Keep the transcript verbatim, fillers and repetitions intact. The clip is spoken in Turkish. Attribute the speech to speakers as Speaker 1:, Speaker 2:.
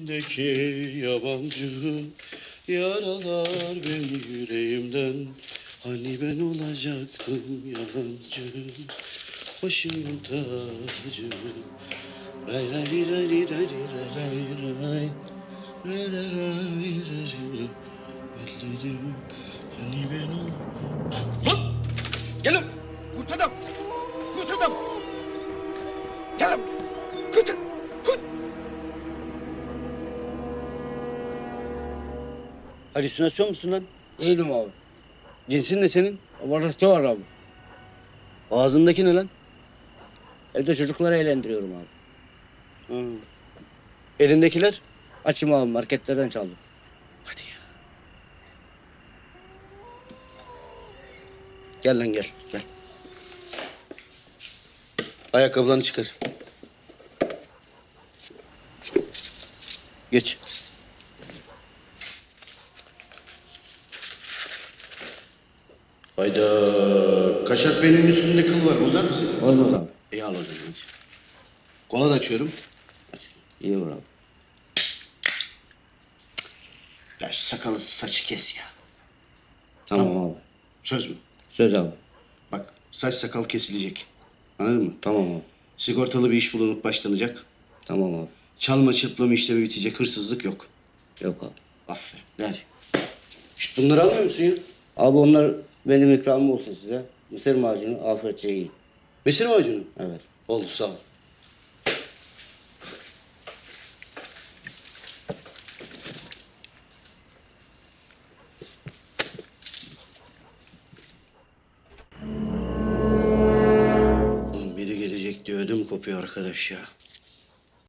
Speaker 1: içindeki yabancı yaralar beni yüreğimden. Hani ben olacaktım yalancı, başımın tacı. Ray ray ray ray ray ray ray ray ray ray ray. Ellerim hani ben ol... Lan! Gelin! Kurt adam! Kurt adam! Gelin! Kurt! Kurt! Halüsinasyon musun lan?
Speaker 2: Değilim abi.
Speaker 1: Cinsin ne senin?
Speaker 2: Abartı var abi.
Speaker 1: Ağzındaki ne lan?
Speaker 2: Evde çocukları eğlendiriyorum abi.
Speaker 1: Hı. Elindekiler?
Speaker 2: Açım abi, marketlerden çaldım.
Speaker 1: Hadi ya. Gel lan gel, gel. Ayakkabılarını çıkar. Geç. Hayda. Kaşak benim üstünde kıl var. Bozar mısın?
Speaker 2: Bozmaz abi.
Speaker 1: İyi al o zaman. hadi. Kola da açıyorum.
Speaker 2: İyi olur abi.
Speaker 1: Ya şu sakalı saçı kes ya.
Speaker 2: Tamam,
Speaker 1: Tamam.
Speaker 2: abi.
Speaker 1: Söz mü?
Speaker 2: Söz abi.
Speaker 1: Bak saç sakal kesilecek. Anladın mı?
Speaker 2: Tamam abi.
Speaker 1: Sigortalı bir iş bulunup başlanacak.
Speaker 2: Tamam abi.
Speaker 1: Çalma çırplama işlemi bitecek. Hırsızlık yok.
Speaker 2: Yok abi.
Speaker 1: Aferin. Hadi. Şşt, bunları almıyor musun ya?
Speaker 2: Abi onlar benim ikramım olsun size. Mısır macunu afiyetçe yiyin.
Speaker 1: Mesir macunu.
Speaker 2: Evet.
Speaker 1: Oldu sağ ol. Oğlum biri gelecek diye ödüm kopuyor arkadaş ya.